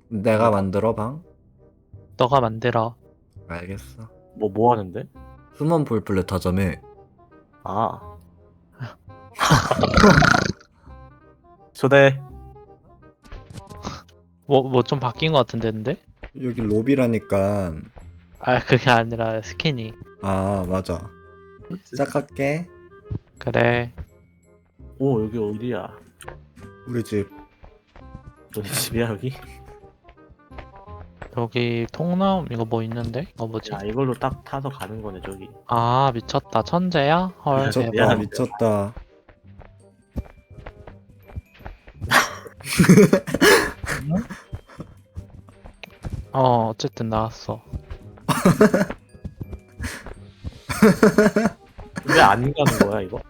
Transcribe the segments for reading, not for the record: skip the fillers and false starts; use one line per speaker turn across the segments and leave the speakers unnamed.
내가 만들어 방?
너가 만들어.
알겠어.
뭐 하는데?
수먼 볼플랫 하자며.
아. 초대.
뭐 좀 바뀐 것 같은데, 근데?
여기 로비라니까.
아, 그게 아니라 스킨이.
아 맞아. 시작할게.
그래.
오, 여기 어디야?
우리 집.
너네 집이야, 여기?
여기 통나무 이거 뭐 있는데? 이거 뭐지?
야, 이걸로 딱 타서 가는 거네, 저기.
아, 미쳤다. 천재야? 헐,
미쳤다
대박.
미쳤다.
어쨌든 나왔어.
왜 안 가는 거야, 이거?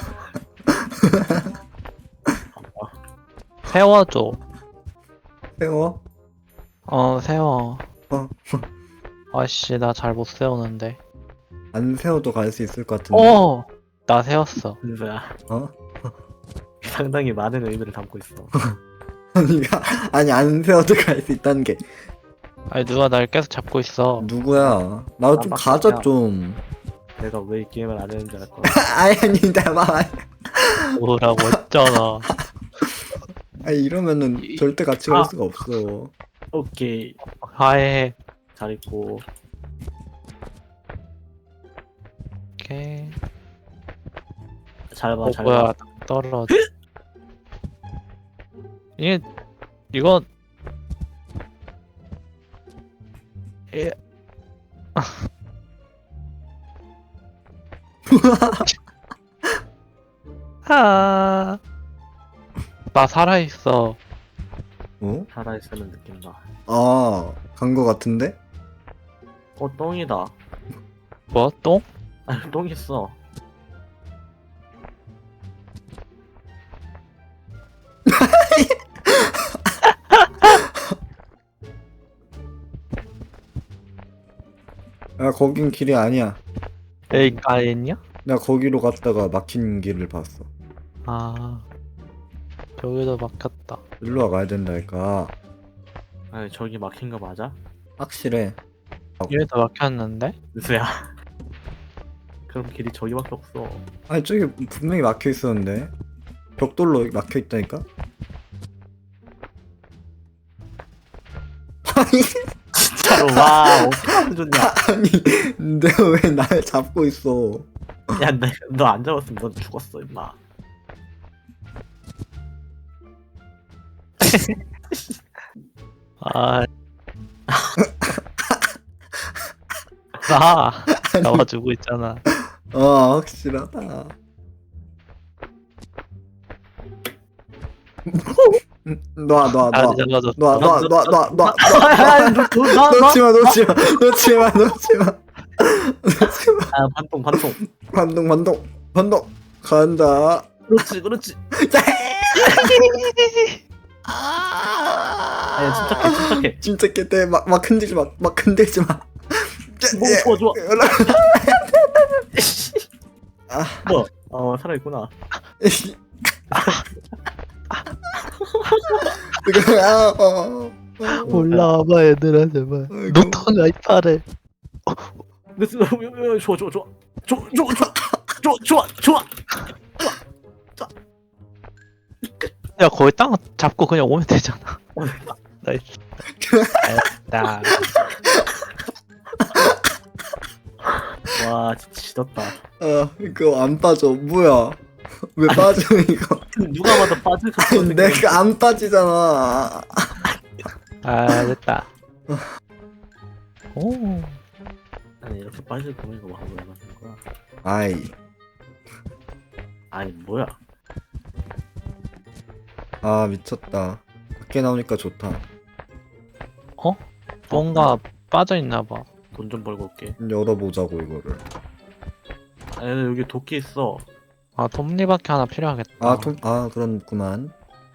세워줘.
세워.
세워.
어.
아씨, 나 잘 못 세우는데.
안 세워도 갈 수 있을 것 같은데.
나 세웠어.
은서야,
어?
상당히 많은 의미를 담고 있어.
아니 안 세워도 갈 수 있다는 게
아니, 누가 날 계속 잡고 있어.
누구야? 나도 좀
깜빡이야.
가자 좀.
내가 왜 이 게임을 안 했는지 알 거야.
아니 나만.
뭐라고 했잖아.
아니 이러면은 절대 같이 갈 수가 없어.
오케이.
하해.
잘 있고.
오케이.
잘 봐, 잘
뭐야,
봐.
떨어져. 이거 예. 아, 나 살아있어.
어?
살아있으면 느낀다.
간 거 같은데?
똥이다.
뭐? 똥?
아, 똥 있어.
야 거긴 길이 아니야.
에이, 까였냐?
나 거기로 갔다가 막힌 길을 봤어.
아, 여기도 막혔다.
일로 와 가야 된다니까.
아니, 저기 막힌 거 맞아?
확실해.
여기도 막혔는데?
은서야. 그럼 길이 저기밖에 없어.
아니 저기 분명히 막혀 있었는데. 벽돌로 막혀 있다니까. 아니
진짜로, 와, 어떻게 하면 좋냐.
아니 내가 왜 날 잡고 있어?
야, 너 안 잡았으면 넌 죽었어, 임마.
아, 나 잡아주고 있잖아.
확실하다. 놔
아, 잡아줬어.
놓지마 놓지마
아,
반동 간다.
그렇지. 아니, 침착해.
침착해 돼. 막 흔들지 마.
좋아.
뭐?
살아있구나.
올라와봐, 얘들아, 제발. 노턴 아이파를.
좋아.
야, 거기 땅 잡고 그냥 오면 되잖아. 나이스. 나
와, 진짜 지렸다.
이거 안 빠져. 뭐야? 왜 빠져 이거?
누가 봐도 빠질 것 같은
내가 안 빠지잖아.
됐다. 오.
아니, 이렇게 빠질 거면 이거 하고 나가는 거야.
아이.
아니, 뭐야.
미쳤다. 밖에 나오니까 좋다.
뭔가 빠져있나봐.
돈 좀 벌고 올게.
열어보자고 이거를.
아니, 여기 도끼 있어.
톱니바퀴 하나 필요하겠다.
그렇구만.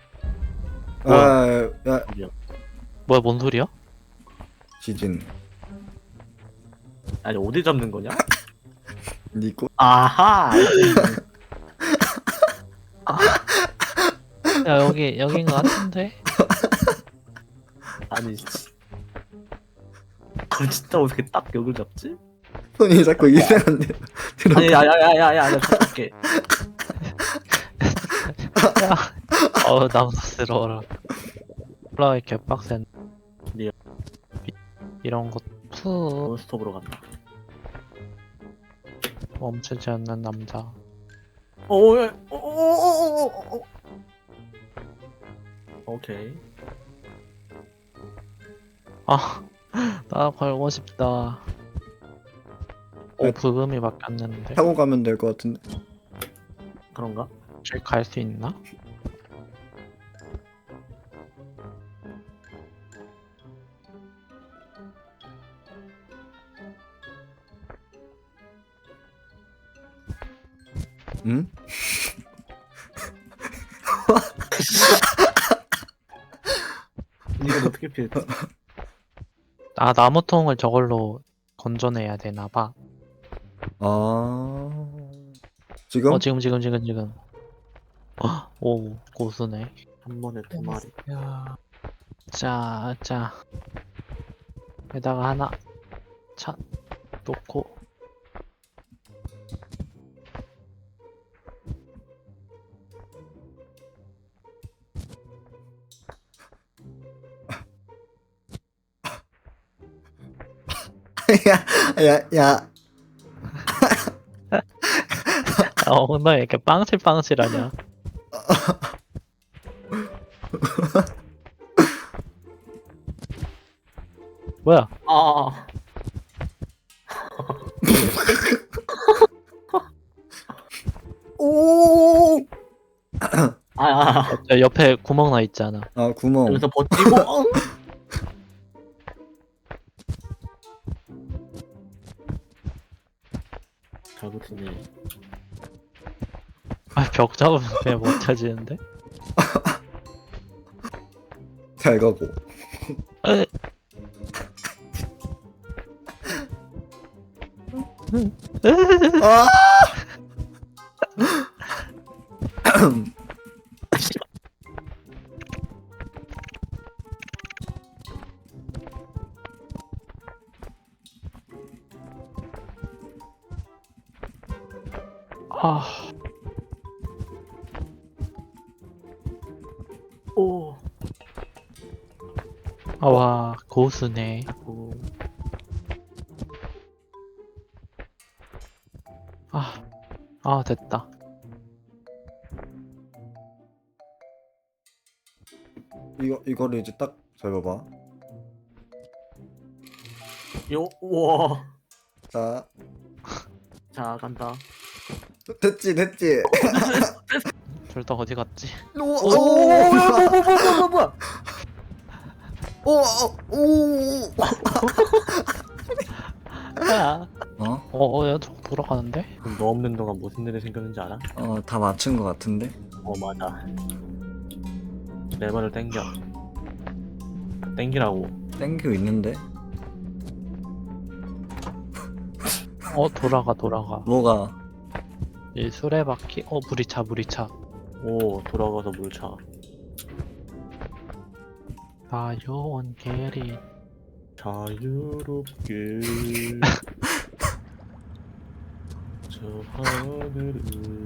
뭐야?
야,
뭐야, 뭔 소리야?
지진.
아니, 어디 잡는 거냐?
니꼬.
아하!
야, 여기인 것 같은데?
아니 진짜 어떻게 딱 여길 잡지?
손이 자꾸 이상한데.
아니 야야야야야 나 잡을게.
남사스러워라. 플라이 개빡센.
리얼.
이런 거 푸
논스톱으로 간다.
멈추지 않는 남자.
오오오오오오. 오케이.
나 걸고 싶다. 부금이 바뀌었는데.
타고 가면 될 것 같은데.
그런가?
길 갈 수 있나?
응?
이건 어떻게 피했지?
나무통을 저걸로 건져내야 되나봐.
아. 지금?
지금. 오, 고수네.
한 번에 두 마리.
자. 여기다가 하나 놓고.
야.
너 이렇게 빵실빵실하냐? 뭐야?
아.
오.
옆에 구멍 나 있잖아.
아, 구멍.
여기서 버티고. 잘 버티네.
벽 잡으면 그냥 못 찾지는데?
잘 가고. 아!
오.
와, 고수네.
오.
됐다.
이거를 이제 딱 잡아봐.
우와.
자,
자 간다.
됐지.
둘 다 어디 갔지?
뭐야?
야,
어?
야, 저 돌아가는데?
그럼 너 없는 동안 무슨 일이 생겼는지 알아?
다 맞춘 것 같은데?
맞아. 레버를 당겨. 당기라고.
땡기고 있는데?
돌아가.
뭐가?
이 수레바퀴? 물이차.
오, 돌아가서 물 차.
요원 게리.
자유롭게 저 하늘을.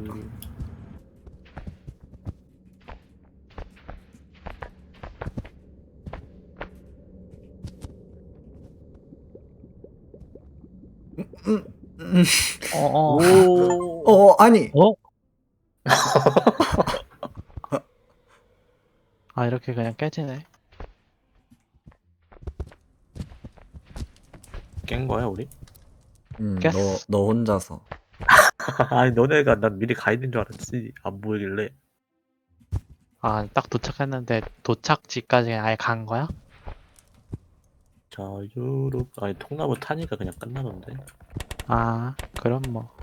오.
아니.
이렇게 그냥 깨지네.
깬 거야 우리?
깼어.
너 혼자서.
아니 너네가 난 미리 가 있는 줄 알았지. 안 보이길래.
딱 도착했는데 도착지까지 아예 간 거야?
자유롭. 아니 통나무 타니까 그냥 끝나던데.
그럼 뭐.